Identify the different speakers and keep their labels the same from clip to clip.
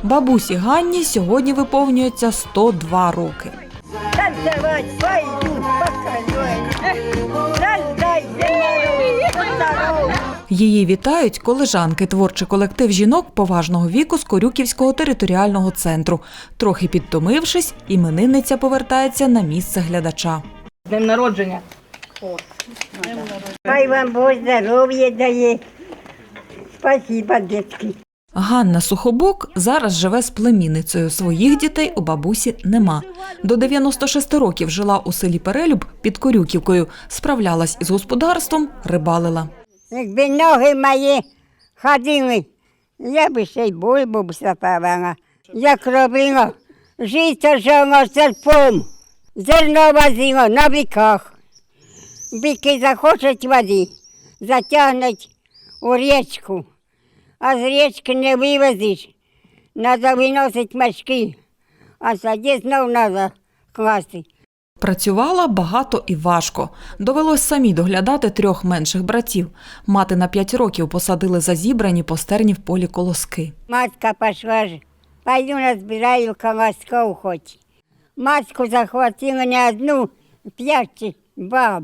Speaker 1: Бабусі Ганні сьогодні виповнюється 102 роки. Її вітають колежанки, творчий колектив жінок поважного віку з Корюківського територіального центру. Трохи підтомившись, іменинниця повертається на місце глядача.
Speaker 2: З днем народження!
Speaker 3: Хай вам Бог здоров'я дає. Спасибо, дітки.
Speaker 1: Ганна Сухобок зараз живе з племінницею. Своїх дітей у бабусі нема. До 96 років жила у селі Перелюб під Корюківкою. Справлялась із господарством, рибалила.
Speaker 3: Якби ноги мої ходили, я б ще й бульбу сапала. Як робила, жито жало серпом, зерно возило на біках. Біки захочуть води, затягнуть у річку, а з річки не вивезеш. Треба виносити мішки, а тоді знов треба класти.
Speaker 1: Працювала багато і важко. Довелось самі доглядати 3 менших братів. Мати на 5 років посадили за зібрані по стерні в полі колоски.
Speaker 3: Матка пішла ж, пойду назбираю колосков хоч. Матку захватила не одну, 5 баб.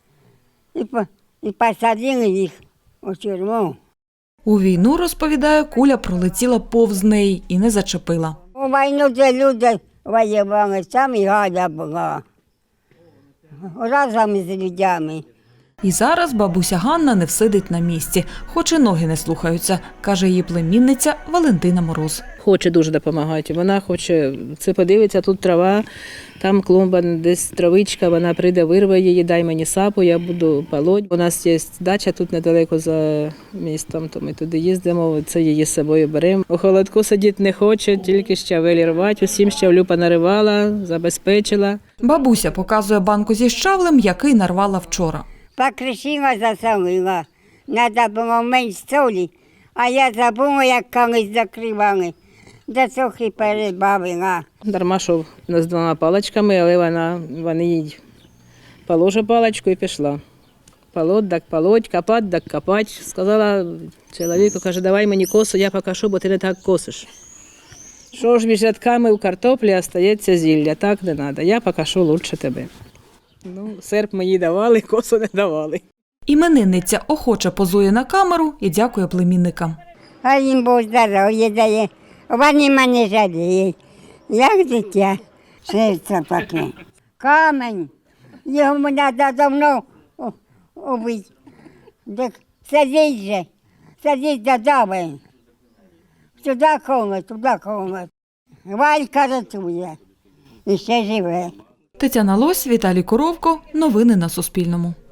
Speaker 3: І посадили їх у тюрму.
Speaker 1: У війну, розповідає, куля пролетіла повз неї і не зачепила.
Speaker 3: У війну де люди воювали, там і Галя була. Разом з людьми.
Speaker 1: І зараз бабуся Ганна не всидить на місці, хоч і ноги не слухаються, каже її племінниця Валентина Мороз.
Speaker 2: Хоче дуже допомагати. Вона хоче, це подивиться, тут трава, там клумба, десь травичка, вона прийде, вирве її, дай мені сапу, я буду полоть. У нас є дача тут недалеко за містом, то ми туди їздимо, це її з собою беремо. У холодку сидіти не хоче, тільки щавелі рвати, усім щавлю понаривала, забезпечила.
Speaker 1: Бабуся показує банку зі щавлем, який нарвала вчора.
Speaker 3: Покришила, засолила. Треба було менш солі, а я забула, як колись закривали. До трохи перебавила.
Speaker 2: Дарма, що з 2 паличками, але вони їй положила паличку і пішла. Полоть, так полоть, копать, так копать. Сказала чоловіку, каже, давай мені косу, я покажу, бо ти не так косиш. Що ж між рядками у картоплі остається зілля, так не треба, я покажу лучше тебе. Ну, серп мені давали, косу не давали.
Speaker 1: Іменинниця охоче позує на камеру і дякує племінникам.
Speaker 3: А їм Бог здоров'я дає. Вони мене жаліють. Як дитя, серце таке. Камень. Його треба давно убити. Так садіть же. Садіть додому. Туди коло. Валька рятує. І ще живе.
Speaker 1: Тетяна Лось, Віталій Коровко. Новини на Суспільному.